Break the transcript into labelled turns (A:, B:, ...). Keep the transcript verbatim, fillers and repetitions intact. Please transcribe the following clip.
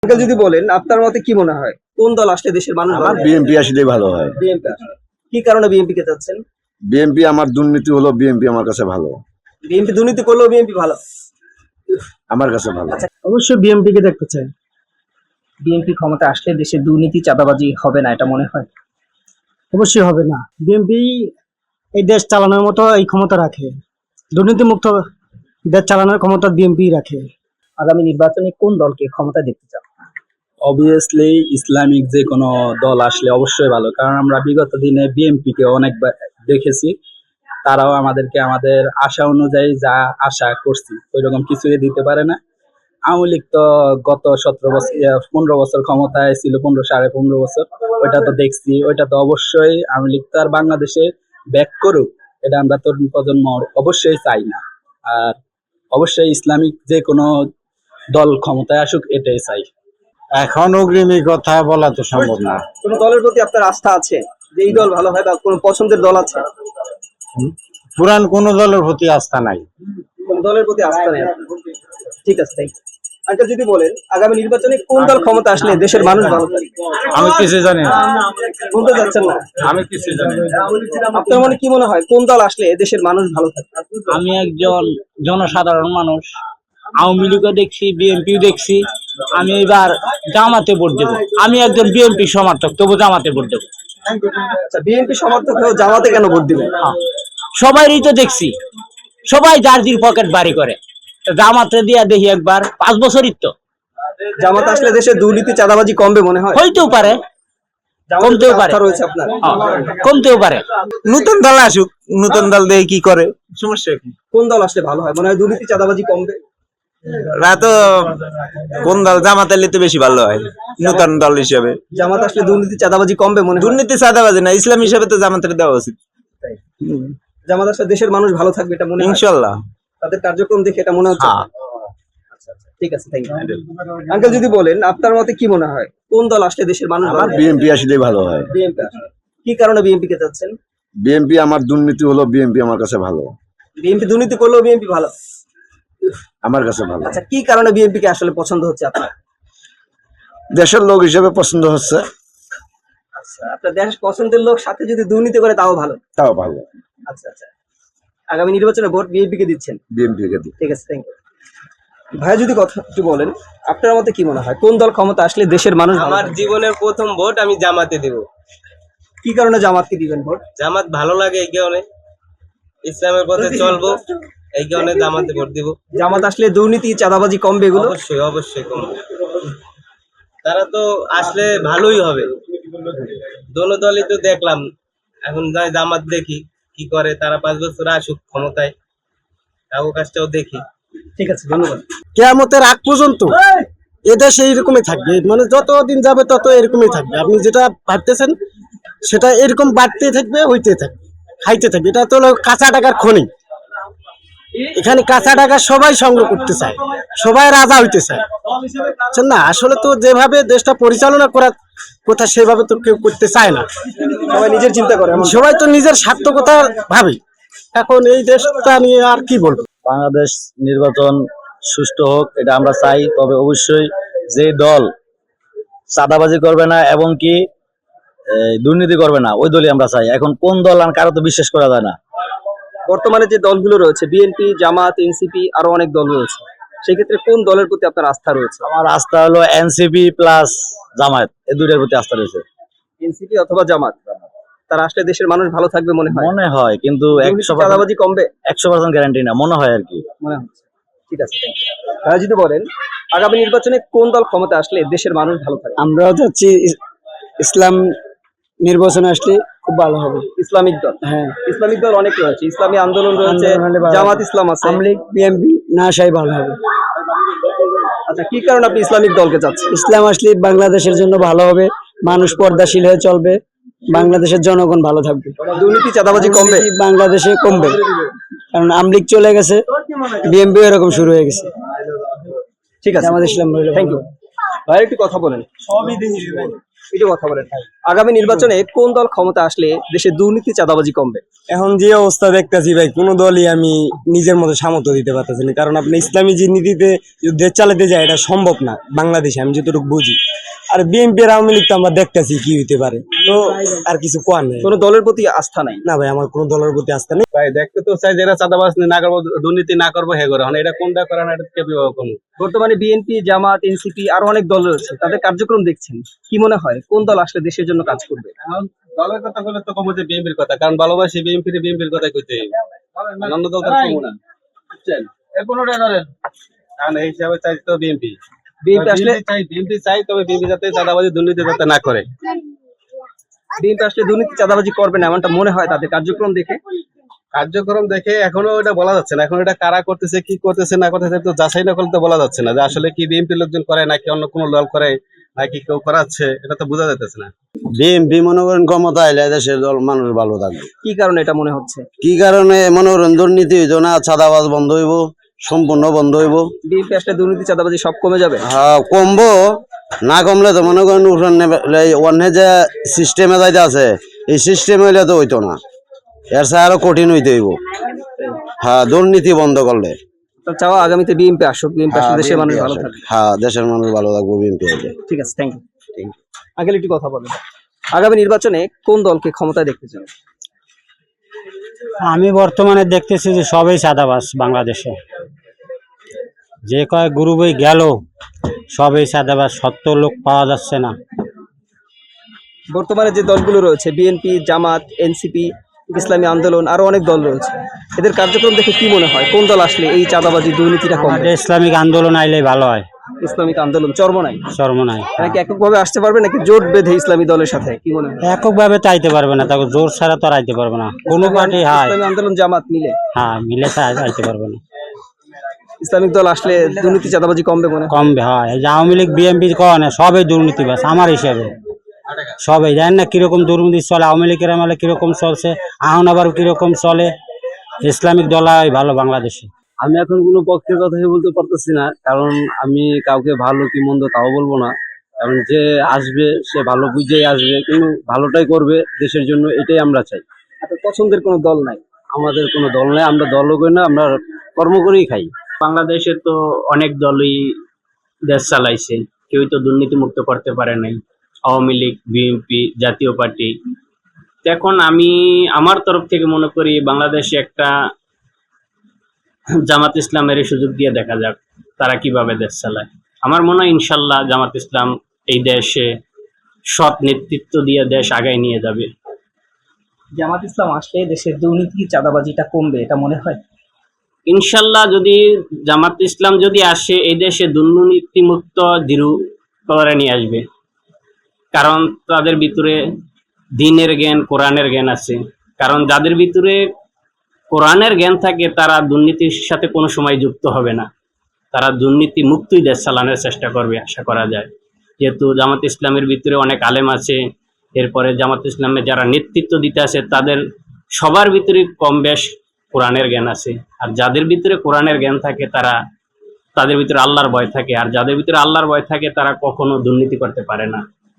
A: Uncle যদি বলেন আপনার মতে কি মনে হয় কোন দল আসলে দেশের মানুষ
B: আমার
A: ভালো
B: বিএনপি আসলেই ভালো হয়।
A: বিএনপি কি কারণে বিএনপি কে চাচ্ছেন?
B: বিএনপি আমার দুর্নীতি হলো বিএনপি আমার কাছে ভালো।
A: বিএনপি দুর্নীতি করলেও বিএনপি ভালো
B: আমার কাছে ভালো।
A: অবশ্যই বিএনপি কে দেখতে চাই। বিএনপি ক্ষমতা আসলে দেশে দুর্নীতি চাঁদাবাজি হবে না এটা মনে হয়?
C: অবশ্যই হবে না। বিএনপি এই দেশ চালানোর মতো এই ক্ষমতা রাখে, দুর্নীতি মুক্ত দেশ চালানোর ক্ষমতা বিএনপি রাখে।
A: আগামী নির্বাচনে কোন দলকে ক্ষমতা দেখতে চান?
D: অবভিয়াসলি ইসলামিক যে কোনো দল আসলে অবশ্যই ভালো, কারণ আমরা বিগত দিনে বিএনপি কে অনেকবার দেখেছি, তারাও আমাদেরকে আমাদের আশা অনুযায়ী যা আশা করছি ওইরকম কিছুই দিতে পারে না। আওয়ামী লীগ তো গত সতেরো বছর পনেরো বছর ক্ষমতায় ছিল, পনেরো সাড়ে পনেরো বছর, ওইটা তো দেখছি। ওইটা তো অবশ্যই আওয়ামী লীগ তো আর বাংলাদেশে ব্যাক করুক, এটা আমরা তরুণ প্রজন্ম অবশ্যই চাই না। আর অবশ্যই ইসলামিক যে কোনো দল ক্ষমতায় আসুক এটাই চাই।
B: এখন অগ্রিমী কথা বলা তো সম্ভব না।
A: কোন দলের প্রতি আপনার আস্থা আছে যে এই দল ভালো হয়, বা কোন পছন্দের দল আছে?
B: পুরান কোন দলের প্রতি আস্থা নাই।
A: কোন দলের প্রতি আস্থা নেই আপনার? ঠিক আছে, থ্যাংক ইউ। আঙ্কেল যদি বলেন আগামী নির্বাচনে কোন দল ক্ষমতা আসলে দেশের মানুষ ভালো থাকবে?
B: আমি কিছু জানি না।
A: বলতে চাচ্ছেন না?
B: আমি কিছু জানি না।
A: আপনার মনে কি মনে হয় কোন দল আসলে দেশের মানুষ ভালো থাকবে?
E: আমি একজন জনসাধারণ মানুষ, আওয়ামী লীগও দেখছি, বিএনপিও দেখছি। আমি এবার জামাতে ভোট দেবো। আমি একজন বিএনপি সমর্থক, তবু জামাতে ভোট দেবো।
A: আচ্ছা, বিএনপি সমর্থক হয়েও জামাতে কেন ভোট দিবেন?
E: সবাইরই তো দেখছি, সবাই যার দিন পকেট বাড়ি করে, জামাতে দিয়া দেখি একবার, পাঁচ বছরই তো।
A: জামাত আসলে দেশে দুর্নীতি চাঁদাবাজি কমবে মনে হয়?
E: হইতেও পারে, কমতেও পারে,
A: রয়েছে আপনার?
E: কমতেও পারে।
F: নতুন দল আসুক, নতুন দল দিয়ে কি করে, সমস্যা কি?
A: কোন দল আসলে ভালো হয় মনে হয়? দুর্নীতি চাঁদাবাজি কমবে?
F: রা তো কোন দল জামাত এলে তো বেশি ভালো হয় নতুন দল হিসেবে।
A: জামাত আসলে দুর্নীতি চাঁদাবাজি কমবে মনে হয়?
F: দুর্নীতি চাঁদাবাজি না, ইসলাম হিসেবে তো জামাতের দেওয়া উচিত।
A: জামাত আসলে দেশের মানুষ ভালো থাকবে এটা মনে হয়?
F: ইনশাল্লাহ।
A: তাদের কার্যক্রম দেখে এটা মনে হচ্ছে?
F: হ্যাঁ।
A: আচ্ছা আচ্ছা, ঠিক আছে, থ্যাংক ইউ। আঙ্কেল যদি বলেন আপনার মতে কি মনে হয় কোন দল আসলে দেশের মানুষ
B: আমার বিএনপি আসলেই ভালো হয়।
A: বিএনপি আসলে কি কারণে বিএনপি কে চাচ্ছেন?
B: বিএনপি আমার দুর্নীতি হলো বিএনপি আমার কাছে ভালো।
A: বিএনপি দুর্নীতি করলেও বিএনপি ভালো?
B: আমার কাছে ভালো।
A: আচ্ছা, কি কারণে বিএনপি কে আসলে পছন্দ হচ্ছে আপনার?
B: দেশের লোক হিসেবে পছন্দ হচ্ছে।
A: আচ্ছা, আপনার দেশের পছন্দের লোক সাথে যদি দুর্নীতি করে তাও ভালো?
B: তাও ভালো।
A: আচ্ছা আচ্ছা, আগামী নির্বাচনে ভোট বিএনপি কে দিচ্ছেন?
B: বিএনপি কে দিই।
A: ঠিক আছে, থ্যাংক ইউ। ভাই যদি কথা একটু বলেন আপনার মতে কি মনে হয় কোন দল ক্ষমতা আসলে দেশের মানুষ ভালো
G: আমার
A: থাকবে?
G: জীবনের প্রথম ভোট আমি জামাতে দেব।
A: কি কারণে জামাতকে দিবেন ভোট?
G: জামাত ভালো লাগে এই কারণে, ইসলামের পথে চলবো এই কারণে জামাতে ভোট দিব।
A: জামাত আসলে দুর্নীতি চাঁদাবাজি কমবে এগুলো?
G: অবশ্যই অবশ্যই কমবে। তারা তো আসলে ভালোই হবে। দোনো দলই তো দেখলাম, এখন যাই জামাত দেখি কি করে, তারা পাঁচ বছর আসুক ক্ষমতায়, তাও কাজটাও দেখি।
A: ঠিক আছে, ধন্যবাদ।
C: কিয়ামতের আগ পর্যন্ত এদেশে এইরকমই থাকবে, মানে যতদিন যাবে তত এরকমই থাকবে। আপনি যেটা ভাবতেছেন সেটা এরকম বাড়তে থাকবে, হইতে থাকবে, খাইতে থাকবে। এটা তো হলো কাঁচা টাকার খনি। এখানে কাঁচা টাকা সবাই সংগ্রহ করতে চায়, সবাই রাজা হইতে চায়, বুঝছেন না? আসলে তো যেভাবে দেশটা পরিচালনা করার কথা সেভাবে তো কেউ করতে চায় না।
A: সবাই নিজের চিন্তা করে, এমন?
C: সবাই তো নিজের স্বার্থকতা ভাবে। এখন এই দেশটা নিয়ে আর কি বলবো।
E: বাংলাদেশ নির্বাচন সুষ্ঠু হোক, এটা আমরা চাই। তবে অবশ্যই যে দল চাঁদাবাজি করবে না এবং কি দুর্নীতি করবে না, ওই দলই আমরা চাই। এখন কোন দল আর কারো তো বিশ্বাস করা যায় না।
A: বর্তমানে যে দলগুলো রয়েছে বিএনপি, জামাত, এনসিপি, আরো অনেক দল রয়েছে, সেক্ষেত্রে কোন দলের প্রতি আপনার আস্থা রয়েছে?
E: আমার আস্থা হলো এনসিপি প্লাস জামায়াত, এই দুইটার প্রতি আস্থা রয়েছে।
A: এনসিপি অথবা জামাত, তারা আসলে দেশের মানুষ ভালো থাকবে মনে হয়?
E: মনে হয়, কিন্তু একশো
A: চাঁদাবাজি কমবে?
E: একশো পার্সেন্ট গ্যারান্টি না, মনে হয় আর কি।
A: মনে হচ্ছে। ঠিক আছে, thank you। তারা যদি বলেন আগামী নির্বাচনে কোন দল ক্ষমতা আসলে দেশের মানুষ ভালো থাকবে?
C: আমরাও চাচ্ছি ইসলাম নির্বাচনে আসলে খুব ভালো হবে।
A: ইসলামিক দল?
C: হ্যাঁ,
A: ইসলামিক দল অনেক রয়েছে, ইসলামী আন্দোলন রয়েছে,
C: আন্দোলন হলে ভালো
A: জামাত
C: হবে।
A: ইসলাম আছে।
C: আওয়ামী লীগ, বিএনপি না আসাই ভালো হবে।
A: আচ্ছা, কি কারণে আপনি ইসলামিক দলকে চাচ্ছেন?
C: ইসলাম আসলে বাংলাদেশের জন্য ভালো হবে, মানুষ পর্দাশীল হয়ে চলবে, বাংলাদেশের জনগণ ভালো থাকবে,
A: দুর্নীতি চাঁদাবাজি কমবে
C: বাংলাদেশে কমবে। কারণ আওয়ামী লীগ চলে গেছে, বিএনপি এরকম শুরু হয়ে গেছে।
A: ঠিক আছে,
C: আমাদের ইসলাম
A: থ্যাংক ইউ। ভাই একটু কথা বলেন। একটু কথা বলেন আগামী নির্বাচনে কোন দল ক্ষমতা আসলে দেশে দুর্নীতি চাঁদাবাজি কমবে?
C: এখন যে অবস্থা দেখতেছি ভাই, কোনো দলই আমি নিজের মতো সামর্থ্য দিতে পারতেছি না। কারণ আপনি ইসলামী যে নীতিতে যদি দেশ চালাতে যায় এটা সম্ভব না বাংলাদেশে, আমি যতটুকু বুঝি। আর বিএনপি আর আওয়ামী লীগ তো আমরা দেখতেছি কি হইতে পারে, তো আর কিছু কোয়ার নেই।
A: কোনো দলের প্রতি আস্থা নাই?
C: না ভাই, আমার কোনো দলের প্রতি আস্থা নেই।
D: ভাই দেখতে তো চাই যারা চাঁদাবাজ না করবো, দুর্নীতি না করবো হে করে, এটা কোনটা করে না, এটা কে বিভাগ করবো?
A: বর্তমানে বিএনপি, জামাত, এনসিপি আরো অনেক দল রয়েছে, তাদের কার্যক্রম দেখছেন, কি মনে হয় কোন দল আসলে দেশের জন্য কাজ করবে?
D: এখন দলের কথা বলে তো কমো যে বিএনপির কথা, কারণ ভালোবাসি বিএনপির বিএনপির কথা কইতে অন্য দল তার কমো না, বুঝছেন? এ কোনোটা ধরেন কারণ এই হিসাবে চাই তো বিএনপি
A: বিএনপি আসলে
D: চাই বিএনপি চাই তবে বিএনপি যাতে চাঁদাবাজি দুর্নীতি যাতে না করে।
A: বিএনপি আসলে দুর্নীতি চাঁদাবাজি করবে না এমনটা মনে হয় তাদের কার্যক্রম দেখে?
D: কার্যক্রম দেখে এখনো এটা বলা যাচ্ছে না, এখন এটা কারা করতেছে কি করতেছে না করতেছে তো যাচাই না করলে তো বলা যাচ্ছে না যে আসলে কি বিএনপি লোকজন করে নাকি অন্য কোনো দল করে নাকি কেউ করাচ্ছে, এটা তো বোঝা যাইতেছে না।
B: বিএনপি মনে করেন ক্ষমতা এলে দেশের দল মানুষ ভালো থাকবে।
A: কি কারণে এটা মনে হচ্ছে?
B: কি কারণে মনে করেন দুর্নীতি হইতো না, চাঁদাবাজ বন্ধ হইব, সম্পূর্ণ বন্ধ হইব।
A: বিএনপি আসলে দুর্নীতি চাঁদাবাজি সব কমে যাবে?
B: হ্যাঁ কমবো, না কমলে তো মনে করেন অন্য যে সিস্টেমে যাইতে আছে এই সিস্টেম হইলে তো হইতো না, এর সাথে আরো কঠিন হইতে হইব। হ্যাঁ দুর্নীতি বন্ধ করলে।
A: তো চাও আগামীতে বিএনপি আসুক, বিএনপি আসলে দেশের মানুষ ভালো থাকবে।
B: হ্যাঁ দেশের মানুষ ভালো থাকবে বিএনপি হইলে।
A: ঠিক আছে, থ্যাংক ইউ। আগে একটু কথা বলেন, আগামী নির্বাচনে কোন দলকে ক্ষমতায় দেখতে চান?
B: আমি বর্তমানে দেখতেছি যে সবাই চাঁদাবাজ বাংলাদেশে, যে কয় গ্রুপে গেল সবাই চাঁদাবাজ, সত্য লোক পাওয়া যাচ্ছে না।
A: বর্তমানে যে দলগুলো রয়েছে বিএনপি, জামাত, এনসিপি, ইসলামী আন্দোলন আরো অনেক দল রয়েছে, এদের কার্যক্রম দেখে কি মনে হয় কোন দল আসলে এই চাঁদাবাজি দুর্নীতিটা কমবে?
B: আমাদের ইসলামিক আন্দোলন আইলে ভালো হয়।
A: ইসলামিক আন্দোলন চরমনাই
B: চরমনাই
A: নাকি এককভাবে আসতে পারবে নাকি জোট বেঁধে ইসলামী দলের সাথে, কি মনে হয়?
B: এককভাবে তো আইতে পারবে না, তাকে জোর ছাড়া তো আর আইতে পারবে না কোনো পার্টি। হ্যাঁ
A: ইসলামী আন্দোলন জামাত মিলে
B: হ্যাঁ মিলে তো আইতে পারবে না।
A: ইসলামিক দল আসলে দুর্নীতি চাঁদাবাজি কমবে মনে হয়?
B: কমবে। হয় এই যে আওয়ামী লীগ বিএনপি কনে সবাই দুর্নীতিবাজ আমার হিসাবে, সবাই জানেন না কিরকম দুর্নীতি চলে, আওয়ামী লীগের আমলে কিরকম চলছে, এখন আবার কিরকম চলে। ইসলামিক দল ভালো বাংলাদেশে।
H: আমি এখন কোনো পক্ষের কথাই বলতে পারতেছি না, কারণ আমি কাউকে ভালো কি মন্দ তাও বলবো না, কারণ যে আসবে সে ভালো বুঝেই আসবে, কিন্তু ভালোটাই করবে দেশের জন্য, এটাই আমরা চাই।
A: আপনার পছন্দের কোনো দল নাই?
H: আমাদের কোনো দল নেই, আমরা দলও করি না, আমরা কর্ম করেই খাই।
I: বাংলাদেশে তো অনেক দলই দেশ চালাইছে, কেউই তো দুর্নীতি মুক্ত করতে পারে নাই। Awami League, BNP, Jatiya party. এখন আমি আমার তরফ থেকে মনে করি বাংলাদেশে একটা জামাত ইসলামের সুযোগ দিয়ে দেখা যাক তারা কিভাবে দেশ চালায়। আমার মনে হয় ইনশাল্লাহ জামাত ইসলাম এই দেশে সৎ নেতৃত্ব দিয়ে দেশ আগায় নিয়ে যাবে।
A: জামাত ইসলাম আসলে দেশের দুর্নীতি চাঁদাবাজিটা কমবে এটা মনে হয়?
I: ইনশাল্লাহ যদি জামাত ইসলাম যদি আসে এই দেশে দুর্নীতিমুক্ত জিরো কলরে নিয়ে আসবে, কারণ তাদের ভিতরে দ্বীনের জ্ঞান, কোরআনের জ্ঞান আছে। কারণ যাদের ভিতরে কোরআনের জ্ঞান থাকে তারা দুর্নীতির সাথে কোনো সময় যুক্ত হবে না, তারা দুর্নীতি মুক্তই দেশ চালানোর চেষ্টা করবে আশা করা যায়। যেহেতু জামাত ইসলামের ভিতরে অনেক আলেম আছে, এরপরে জামাত ইসলামের যারা নেতৃত্ব দিতে আছে তাদের সবার ভিতরে কম বেশ কোরআনের জ্ঞান আছে। আর যাদের ভিতরে কোরআনের জ্ঞান থাকে তারা তাদের ভিতরে আল্লাহর ভয় থাকে, আর যাদের ভিতরে আল্লাহর ভয় থাকে তারা কখনো দুর্নীতি করতে পারে না।